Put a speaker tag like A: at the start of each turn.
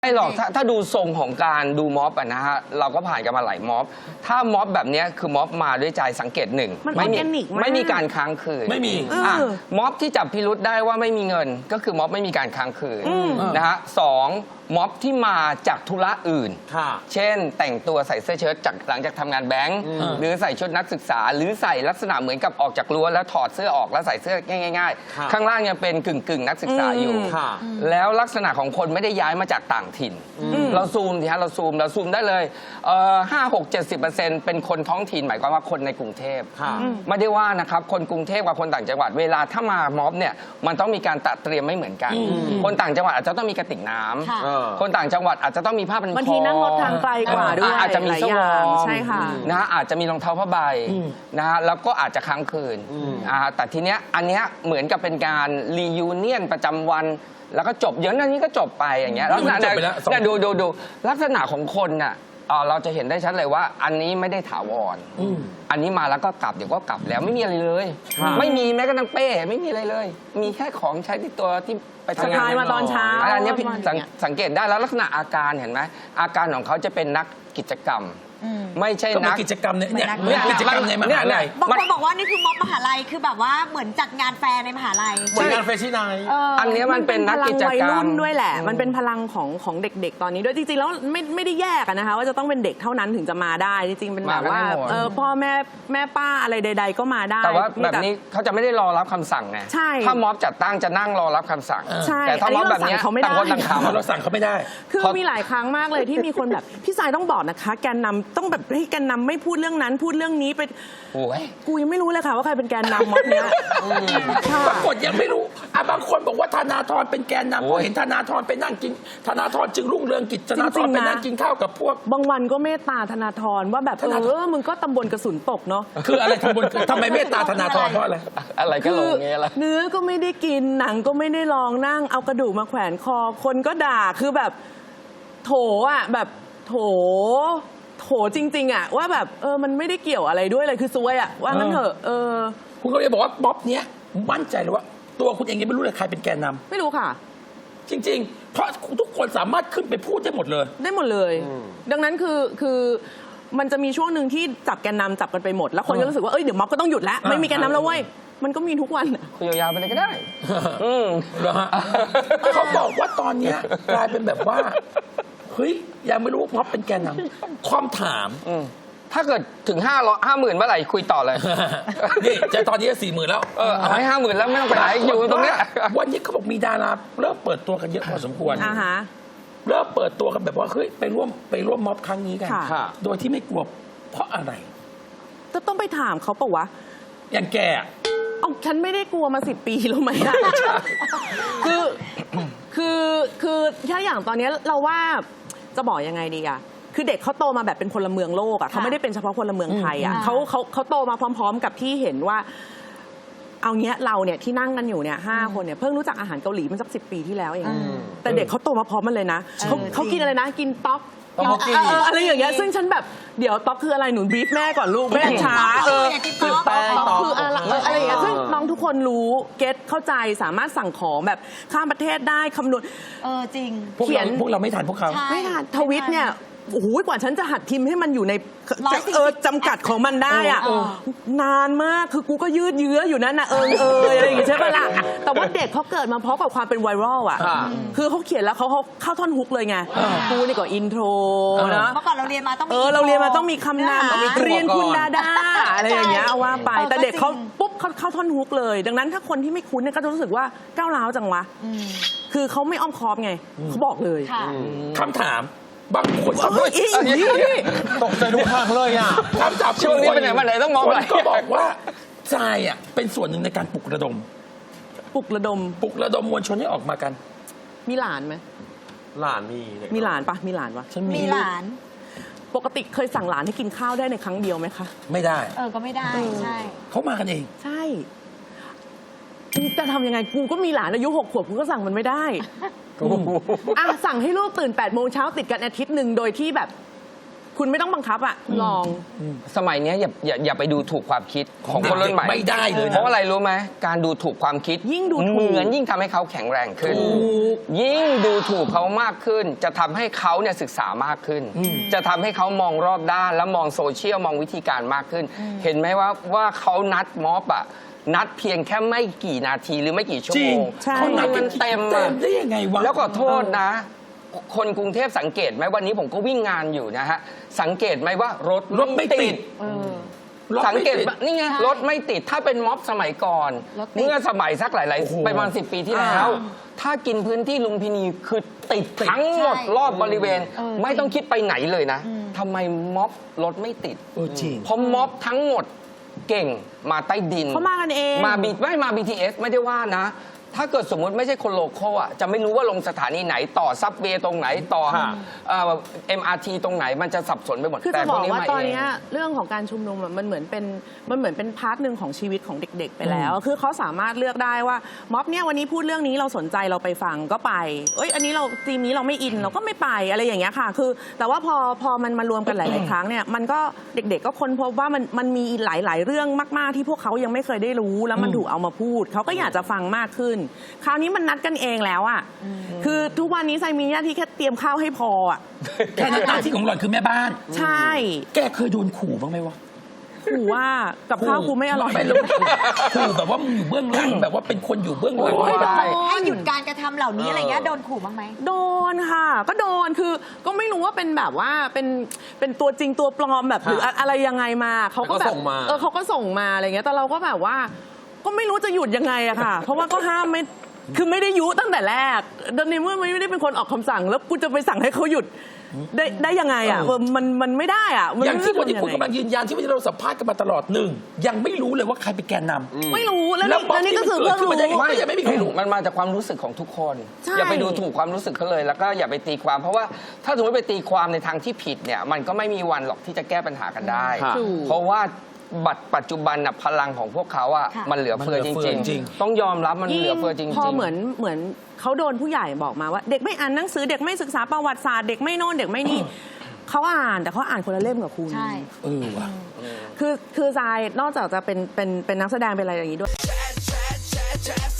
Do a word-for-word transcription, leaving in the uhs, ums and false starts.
A: ไม่หรอกถ้าถ้าดูทรงของการดูม็อบอะนะฮะเราก็ผ่านกันมาหลายม็อบถ้าม็อบแบบนี้คือม็อบมาด้วยใจสังเกตหนึ่ง
B: ไม่มี
A: ไม่มีการค้างคืน
C: ไม่มี
A: อ่ะม็อบที่จับพิรุธได้ว่าไม่มีเงินก็คือม็อบไม่มีการค้างคืนนะฮะสองม็อบที่มาจากธุระอื่นเช่นแต่งตัวใส่เสื้อเชิ้ตจากหลังจากทำงานแบงค์หรือใส่ชุดนักศึกษาหรือใส่ลักษณะเหมือนกับออกจากรั้วแล้วถอดเสื้อออกแล้วใส่เสื้อง่ายๆข้างล่างยังเป็นกึ่งกึ่งนักศึกษาอยู่แล้วลักษณะของคนไม่ได้ย้ายมาจากต่างถิ่นเราซูมทีฮะเราซูมเราซูมได้เลยห้าหกเจ็ดสิบเปอร์เซ็นต์เป็นคนท้องถิ่นหมายความว่าคนในกรุงเทพไม่ได้ว่านะครับคนกรุงเทพกับคนต่างจังหวัดเวลาถ้ามาม็อบเนี่ยมันต้องมีการตัดเตรียมไม่เหมือนกันคนต่างจังหวัดอาจจะต้องมีกระติกน้ำคนต่างจังหวัดอาจจะต้องมีผ้าพันคอบ
B: างทีนั่งรถทางไกลกว่าด้วย
A: อาจจะมีเสื้อวอร์ม
B: ใช่ค่ะ
A: นะฮะอาจจะมีรองเท้าผ้าใบนะฮะแล้วก็อาจจะค้างคืนแต่ทีเนี้ยอันเนี้ยเหมือนกับเป็นการรียูเนียนประจำวันแล้วก็จบเดี๋ยวนั้นนี้ก็จบไปอย่างเงี้ยลักษณะเนี่ยดูดูดูลักษณะของคนน่ะเราจะเห็นได้ชัดเลยว่าอันนี้ไม่ได้ถาวรอันนี้มาแล้วก็กลับเดี๋ยวก็กลับแล้วไม่มีอะไรเลยไม่มีแม้กระทั่งเป้ไม่มีอะไรเลย มีแค่ของใช้ที่ตัวที่ไปทำงาน
B: มาตอนเช้า
A: อันนี้สังเกตได้แล้วลักษณะอาการเห็นไหมอาการของเขาจะเป็นนักกิจกรรมไม่ใช่นัก
C: กิจกรรมเนี่ยเนี่ยกิจกรรมในมหาลัย
D: บางคนบอกว่านี่คือม็อบมหาลัยคือแบบว่าเหมือนจัดงานแฟร์ในมหาลัย
C: เหมือนงานแฟชั่นไนท์
A: อันนี้มันเป็นนักกิจกรรม
B: ด้วยแหละมันเป็นพลังของของเด็กๆตอนนี้ด้วยจริงๆแล้วไม่ไม่ได้แยกนะคะว่าจะต้องเป็นเด็กเท่านั้นถึงจะมาได้จริงๆเป็นแบบว่าเออพ่อแม่แม่ป้าอะไรใดๆก็มาได้
A: แต่ว่าแบบนี้เขาจะไม่ได้รอรับคำสั่งไงถ้าม็อบจัดตั้งจะนั่งรอรับคำสั่งแต่ถ้าม็อบแบบนี้ต่างคนต่างทำ
C: เราสั่งเขาไม่ได้
B: คือมีหลายครั้งมากเลยที่มีคนแบบพี่สายต้องบอกนะคะแกนนำต้องแบบให้แกนนำไม่พูดเรื่องนั้นพูดเรื่องนี้ไปกูยังไม่รู้เลยค่ะว่าใครเป็นแกนนำม็อบเนี้ย
C: ปรากฏยังไม่รู้อ่ะบางคนบอกว่าธนาธรเป็นแกนนำพอเห็นธนาธรไปนั่งกินธนาธรจึงรุ่งเรืองกิจธนาธรไปนั่งกินข้าวกับพวก
B: บางวันก็เมตตาธนาธรว่าแบบเออมึงก็ตำบลกระสุนตกเนาะ
C: คืออะไรตำบลทำไมเมตตาธนาธรเพราะอะไร
A: อะไรก็ลงเงี้ยละ
B: เนื้อก็ไม่ได้กินหนังก็ไม่ได้ลองนั่งเอากระดูกมาแขวนคอคนก็ด่าคือแบบโถอ่ะแบบโถโถจริงๆอ่ะว่าแบบเออมันไม่ได้เกี่ยวอะไรด้วยเลยคือซวยอ่ะว่างั้นเถอะเออ
C: คุณก็เลยบอกว่าบ๊อบเนี้ยมั่นใจเลยว่าตัวคุณเองยังไม่รู้เลยใครเป็นแกนนำ
B: ไม่รู้ค่ะ
C: จริงๆเพราะทุกคนสามารถขึ้นไปพูดได้หมดเลย
B: ได้หมดเลยดังนั้นคือคือมันจะมีช่วงหนึ่งที่จับแกนนำจับกันไปหมดแล้วคนก็รู้สึกว่าเอ้ยเดี๋ยวม็อบก็ต้องหยุดแล้วไม่มีแกนนำแล้วเว้ยมันก็มีทุกวัน
A: คุยยาวๆไปเลยก็ได้
C: อืมเหรอฮะเขาบอกว่าตอนนี้กลายเป็นแบบว่าเฮ้ยยังไม่รู้ว่าม็อบเป็นแกนนำความถาม
A: ถ้าเกิดถึงห้าร้อยห้าหมื่นเมื่อไหร่คุยต่อเลย
C: นี่จะตอนนี้สี่หมื่นแล้ว
A: เออเอาให้ห้าหมื่นแล้วไม่ต้องไปไหนอยู่ตรงนี้
C: วันนี้เขาบอกมีดาราเริ่มเปิดตัวกันเยอะพอสมควร
B: อ่าฮะ
C: เริ่มเปิดตัวกันแบบว่าเฮ้ยไปร่วมไปร่วมม็อบครั้งนี้กันโดยที่ไม่กลัวเพราะอะไร
B: จะต้องไปถามเขาปะวะ
C: อย่างแก
B: เอาฉันไม่ได้กลัวมาสิบปีแล้วไหมคือคือคือถ้าอย่างตอนนี้เราว่าจะบอกยังไงดีอะคือเด็กเขาโตมาแบบเป็นพลเมืองโลกอะเขาไม่ได้เป็นเฉพาะพลเมืองไทยอะเขาเขาเขาโตมาพร้อมๆกับที่เห็นว่าเอาเงี้ยเราเนี่ยที่นั่งกันอยู่เนี่ยห้าคนเนี่ยเพิ่งรู้จักอาหารเกาหลีมันสักสิบปีที่แล้วเองแต่เด็กเขาโตมาพร้อมมันเลยนะเขาเขากินอะไรนะกินต๊อกอะไรอย่างเงี้ยซึ่งฉันแบบเดี๋ยวต๊อกคืออะไรหนูบีฟแม่ก่อนลูกแม่ช้าเออคือต๊อกคืออะไรอะไรอย่างเงี้ยซึ่งน้องทุกคนรู้เก็ตเข้าใจสามารถสั่งของแบบข้ามประเทศได้คำนวณ
D: เออจริง
C: เขียนพวกเราไม่ทันพวกเขา
B: ไม่ทันทวิตเนี่ยโอ้โหกว่าฉันจะหัดพิมพ์ให้มันอยู่ในเออจำกัดของมันได้อ่ะนานมากคือกูก็ยืดเยื้ออยู่นั่นนะเออเอออะไรอย่างเงี้ยใช่ปะล่ะแต่ว่าเด็กเขาเกิดมาพร้อมกับความเป็นไวรัลอ่ะคือเขาเขียนแล้วเขาเขาเข้าท่อนฮุกเลยไงกูนี่ก็อินโทรนะ
D: เมื่อก่อนเราเรียนมาต้องมี
B: เออเราเรียนมาต้องมีคำนำเรียนคุณดาดาอะไรอย่างเงี้ยเอาว่าไปแต่เด็กเขาปุ๊บเขาเข้าท่อนฮุกเลยดังนั้นถ้าคนที่ไม่คุ้นเนี่ยก็จะรู้สึกว่าก้าวร้าวจังวะคือเขาไม่อ้อมค้อมไงเขาบอกเลย
C: คำถามบางคน
A: ตกใจทุกครั้งเลยอ่ะ
C: คำถาม
A: ช่วงนี้เป็นไหนมาไหนต้องมองอะไร
C: ก็บอกว่าทรายอ่ะเป็นส่วนหนึ่งในการปลุกระดม
B: ปลุกระดม
C: ปลุกระดมมวลชนให้ออกมากัน
B: มีหลานไหม
A: หลานมี
B: มีหลานปะมีหลานปะ
D: มีหลาน
B: ปกติเคยสั่งหลานให้กินข้าวได้ในครั้งเดียวไหมคะ
C: ไม่ได้
D: เออก็ไม่ได้ใช่
C: เขามากันเอง
B: ใช่จะทำยังไงกูก็มีหลานอายุหกขวบกูก็สั่งมันไม่ได้อ่ะสั่งให้ลูกตื่นแปดโมงเช้าติดกันอาทิตย์หนึ่งโดยที่แบบคคุณไม่ต้องบังคับอ่ะลอง
A: สมัยเนี้ยอย่าอย่าอย่าไปดูถูกความคิดของคนรุ่นใหม่
C: ไม่ได้เลยนะ
A: เพราะอะไรรู้ไหมการดูถูกความคิด
B: ยิ่งดูถูก
A: เหมือนยิ่งทำให้เขาแข็งแรงขึ้น ยิ่งดูถูกเขามากขึ้น จะทำให้เขาเนี่ยศึกษามากขึ้น จะทำให้เขามองรอบด้านและมองโซเชียลมองวิธีการมากขึ้น เห็นไหมว่าว่าเขานัดม็อบอะนัดเพียงแค่ไม่กี่นาทีหรือไม่กี่ชั่ว
C: จริ
A: โม
C: ง
A: ง
B: ใช่
C: เขานัด
A: มันเต็ม
C: เต็
A: อะ
C: มได้ยังไงวะ
A: แล้วก็โทษนะ คนกรุงเทพสังเกตไหมวันนี้ผมก็วิ่งงานอยู่นะฮะสังเกตไหมว่ารถ
C: รถไม่ติด รถ
A: สัง
C: ไม่
A: เกต
C: ติด
A: ว่านี่ไงรถไม่ติดถ้าเป็นม็อบสมัยก่อน
D: รถติด
A: เมื่อสมัยสักหลาย
C: โอ้โห
A: ๆประมาณสิบปีที่แล้ว ถ้ากินพื้นที่ลุมพินีคือติดทั้งหมด
D: ใช่
A: รอบบริเวณ
D: เออ
A: ไม่ต้องคิดไปไหนเลยนะทำไมม็อบรถไม่ติด
C: เออจริง
A: เพราะม็อบทั้งหมดเก่งมาใต้ดิน
B: เขามากันเอง
A: มาบีไม่มา บี ที เอส ไม่ได้ว่านะ ถ้าเกิดสมมุติไม่ใช่คนโลคอลอ่ะจะไม่รู้ว่าลงสถานีไหนต่อซับเวย์ตรงไหนต่อ
C: ฮะ
A: เอ่อ เอ็ม อาร์ ที ตรงไหนมันจะสับสนไปหมด
B: คือ
A: แต่
B: จะ
A: พ
B: บ
A: ว
B: อก
A: นี้
B: ว่า
A: มา
B: ตอน
A: เอง
B: เนี้ยเรื่องของการชุมนุมอะมันเหมือนเป็นมันเหมือนเป็นพาร์ทหนึ่งของชีวิตของเด็ก ๆ ไปแล้ว คือเขาสามารถเลือกได้ว่าม็อบเนี่ยวันนี้พูดเรื่องนี้เราสนใจเราไปฟังก็ไปเอ้ยอันนี้เราทีมนี้เราไม่อินเราก็ไม่ไปอะไรอย่างเงี้ยค่ะ คือ แต่ว่าพอพอมันมารวมกันหลาย ๆ ครั้งเนี่ยมันก็เด็ก ๆ ก็ค้นพบว่ามันมันมีหลาย ๆ เรื่องมาก ๆ ที่พวกเขายังไม่เคยได้รู้แล้วมันถูกเอามาพูดเขาก็อยากจะฟังมากขึ้น คราวนี้มันนัดกันเองแล้วอ่ะคือทุกวันนี้ไซมีหน้าที่แค่เตรียมข้าวให้พออ่ะ
C: แค่นั้นหน้าที่ของหล่อนคือแม่บ้าน
B: ใช่
C: แกเคยโดนขู่บ้างไหมวะ
B: ขู่ว่ากับข้าวกูไม่อร่อย
C: ไม่รู้ขู่แบบว่ามึงอยู่เบื้องหลังแบบว่าเป็นคนอยู่เบื้องหลัง
A: โอ้ย
C: แบบ
D: ให้หยุดการกระทำเหล่านี้อะไรเงี้ยโดนขู่บ้างไหม
B: โดนค่ะ ก็โดนคือก็ไม่รู้ว่าเป็นแบบว่าเป็นเป็นตัวจริงตัวปลอมแบบหรืออะอะไรยังไงมาเขาก็แบบเออเขาก็ส่งมาอะไรเงี้ยแต่เราก็แบบว่า ก็ไม่รู้จะหยุดยังไงอะค่ะ เพราะว่าก็ห้ามไม่คือไม่ได้ยุตั้งแต่แรกในเมื่อไม่ได้เป็นคนออกคำสั่ง แล้วกูจะไปสั่งให้เขาหยุดได้ได้ยังไงอะเออมันมันไม่ได้อะมัน
C: อย่างที่วันนี้
B: ไม่รู้
C: คุณ
B: จะ
C: กำลังยืนยันที่วันนี้เราสัมภาษณ์กันมาตลอดหนึ่งยังไม่รู้เลยว่าใครเป็นแกนนำ
B: ไม่รู้แล้ว
C: แล้ว
B: นี่แล้วนี่ก็คือเพิ่ง
C: ม็อบที่มันเกิดขึ้นมาได้
B: รู้
C: ไง ยังไม่มีใครรู้
A: มันมาจากความรู้สึกของทุกคน
B: ใช่
A: อย่าไปดูถูกความรู้สึกเขาเลย แล้วก็อย่าไปตีความ เพราะว่าถ้าสมมติไปตีความในทางที่ผิดเนี่ยมันก็ไม่มีวันหรอกที่จะแก้ปัญหากันได้
C: ค่ะ
A: เพราะว่าบัตรปัจจุบันน่ะพลังของพวกเขาอ่ะ
D: ค่ะ
A: มันเหลือเฟือ
C: มันเหลื
A: จ
C: อเฟือ
A: ริง
C: จริง
A: ๆ ต้องยอมรับมันเหลือเฟือจริงๆ
B: พอเหมือนเหมือนเขาโดนผู้ใหญ่บอกมาว่า เด็กไม่อ่านหนังสือเด็กไม่ศึกษาประวัติศาสตร์เด็กไม่โน่นเด็กไม่นี่เขาอ่านแต่เขาอ่านคนละเล่มกับคุณ
D: ใช่
C: เออว่ะ
B: คือคือทรายนอกจากจะเป็นเป็นเป็นนักแสดงเป็นอะไรอย่างนี้ด้วย